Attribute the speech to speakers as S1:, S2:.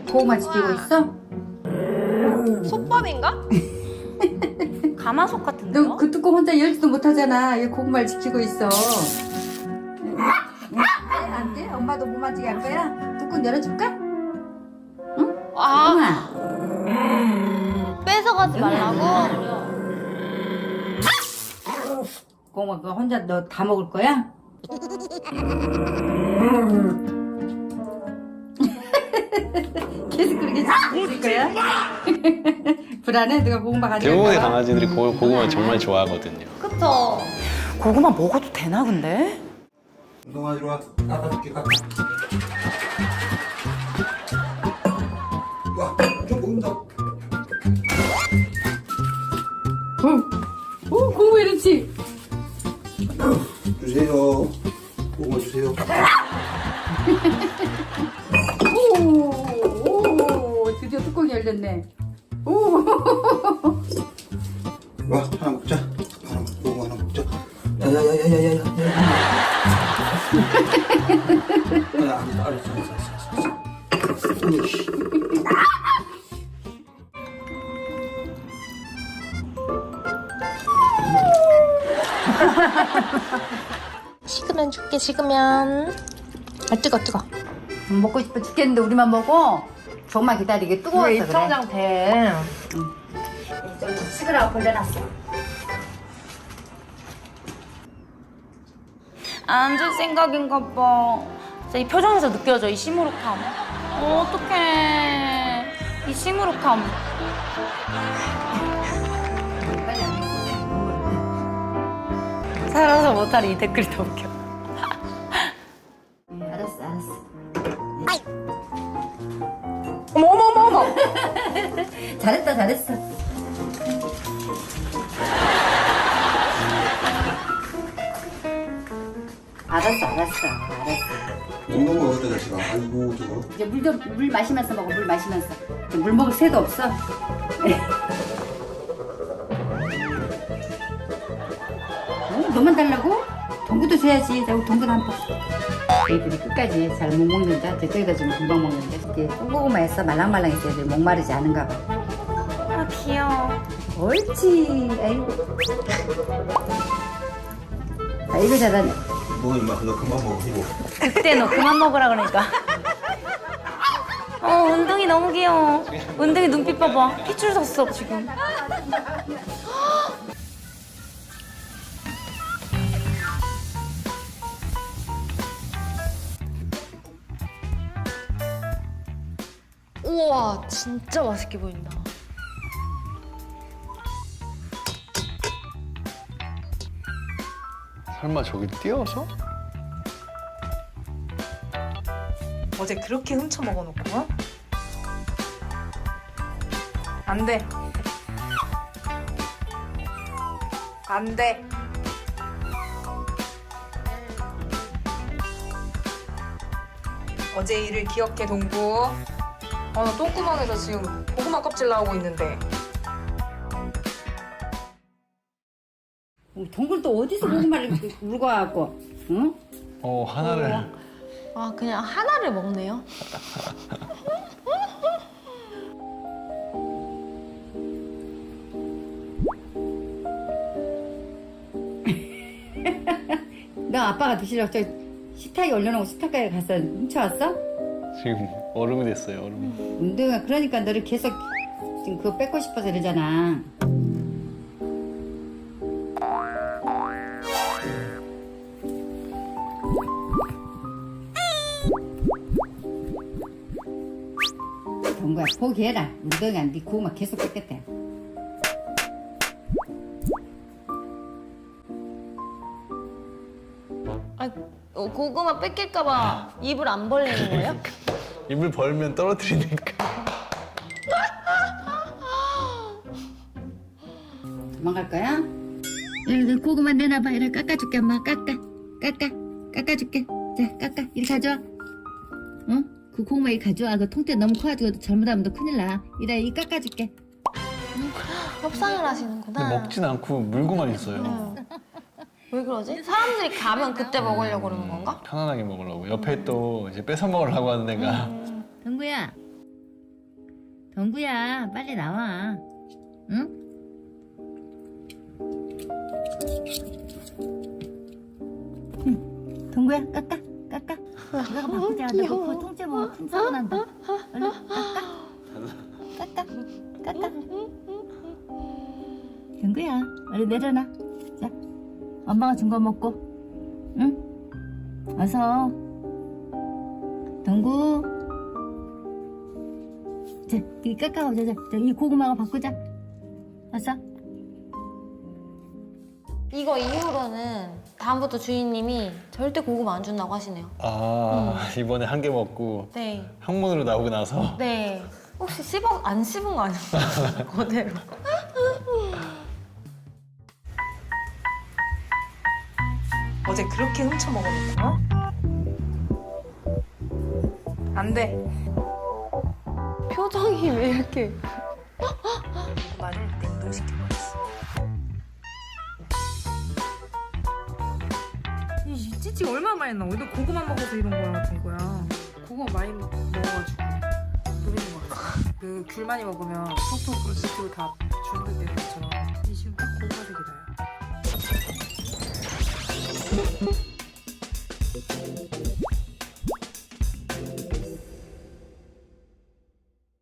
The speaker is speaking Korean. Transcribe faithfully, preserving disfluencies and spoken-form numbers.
S1: 고구마 지키고 있어?
S2: 솥밥인가? 가마솥 같은데요?
S1: 너 그 뚜껑 혼자 열지도 못하잖아. 이 고구마를 지키고 있어. 안 돼? 엄마도 못 만지게 할 거야? 뚜껑 열어줄까? 응?
S2: 아,
S1: 고구마.
S2: 뺏어가지 말라고?
S1: 고구마 그거 혼자 너 다 먹을 거야? 계속 그렇게 지킬 거야? 불안해? 누가 고구마 가져갈까
S3: 대부분의
S1: 봐?
S3: 강아지들이 고, 고구마 정말 좋아하거든요.
S2: 그쵸?
S4: 고구마 먹어도 되나 근데?
S5: 운동아 이리 와. 깎아줄게 깎아. 와, 좀 먹는다.
S1: 어? 오, 고구마 이렇지?
S5: 주세요. 고구마 주세요.
S1: 오, 오, 드디어 뚜껑이 열렸네. 오,
S5: 와, 하나 먹자. 하나 먹, 고구마 하나 먹자. 야야야야야야야. 야, 알았어, 알았어, 알았어, 알았어. 으이씨.
S2: 식으면 줄게, 식으면. 아, 뜨거, 뜨거.
S1: 먹고 싶어 죽겠는데 우리만 먹어? 조금만 기다리게 뜨거워서 그래.
S2: 입천장 돼.
S1: 좀 식으라고 벌려놨어.
S2: 안 줄 생각인가 봐. 진짜 이 표정에서 느껴져, 이 시무룩함. 어, 어떡해. 이 시무룩함.
S1: 빨리 안 먹어.
S2: 살아서 못할 이 댓글이 더 웃겨.
S1: 응, 알았어, 알았어.
S2: 어머, 어머, 어머, 어머.
S1: 잘했다, 잘했어. 알았어, 알았어, 알았어.
S5: 먹는 거 어디다 자식아. 아이고 저거.
S1: 이제 물 좀, 물 마시면서 먹어, 물 마시면서. 이제 물 먹을 새도 없어. 어, 너만 달라고? 동구도 줘야지. 자, 우리 동구도 한 번. 애들이 끝까지 잘 못 먹는다. 저쪽에다 주면 금방 먹는데. 이게 콩고구마에서 말랑말랑해서 애들 목마르지 않은가 봐.
S2: 아, 귀여워.
S1: 옳지. 아이고. 아이고, 잘하네.
S5: 뭐 임마 그거 그만 먹어 이거.
S2: 그때 너 그만 먹으라 그러니까. 어, 운동이 너무 귀여워. 운동이 눈빛 봐봐. 핏줄 섰어, 지금. 우와, 진짜 맛있게 보인다.
S3: 설마 저기 뛰어서?
S4: 어제 그렇게 훔쳐 먹어놓고 안 돼. 안 돼. 어제 일을 기억해 동구. 어, 나 똥구멍에서 지금 고구마 껍질 나오고 있는데.
S1: 동굴 또 어디서 고구마를 물고 와갖고, 응?
S3: 어, 하나를.
S2: 아, 그냥 하나를 먹네요.
S1: 너 아빠가 드시려고 저 식탁에 올려놓고 식탁가에 가서 훔쳐왔어?
S3: 지금 얼음이 됐어요, 얼음.
S1: 운동아, 그러니까 너를 계속 지금 그거 뺏고 싶어서 이러잖아. 동구야, 포기해라. 운동아, 네 고구마 계속 뺏겠다.
S2: 아, 어, 고구마 뺏길까봐 입을 안 벌리는 거예요?
S3: 입을 벌면 떨어뜨리니까.
S1: 도망갈 거야? 여기 고구마 내놔봐. 이래 깎아줄게. 엄마 깎아 깎아 깎아줄게. 자, 깎아. 이리 가져와. 응? 그 고구마 이리 가져와. 그 통째 너무 커가지고 잘못하면 너 큰일 나. 이래 이 깎아줄게.
S2: 협상을 하시는구나.
S3: 근데 먹진 않고 물고만 있어요.
S2: 왜 그러지? 사람들이 가면 그때 먹으려고 그러는 건가?
S3: 편안하게 먹으려고. 옆에 또 이제 뺏어 먹으려고 하는 애가.
S1: 동구야, 동구야, 빨리 나와. 응? 응. 동구야, 깎아, 깎아. 내가 바꾸자. 너 그 통째 먹어. 통째로 난다. 얼른 깎아. 깎아, 깎아. 동구야, 얼른 내려놔. 자, 엄마가 준 거 먹고. 응? 어서. 동구. 자, 이 깎아보자. 자, 자, 이 고구마가 바꾸자. 어서.
S2: 이거 이후로는 다음부터 주인님이 절대 고구마 안 준다고 하시네요.
S3: 아 이번에 한 개 먹고
S2: 네.
S3: 항문으로 나오고 나서
S2: 네. 혹시 씹어, 안 씹은 거 아니에요? 그대로.
S4: 어제 그렇게 훔쳐 먹어놓고 안 돼.
S2: 표정이 왜 이렇게.
S4: 고구마를 냉동시켜버렸어. 이 찌찌가 얼마나 많이 나와? 너 고구마 먹어서 이런 거야 같은 거야. 고구마 많이 먹어가지고 노리는 거 같아. 그 귤 많이 먹으면 톡톡 이렇게 다 주는데 것처럼 이 지금 딱 고구마 색이다.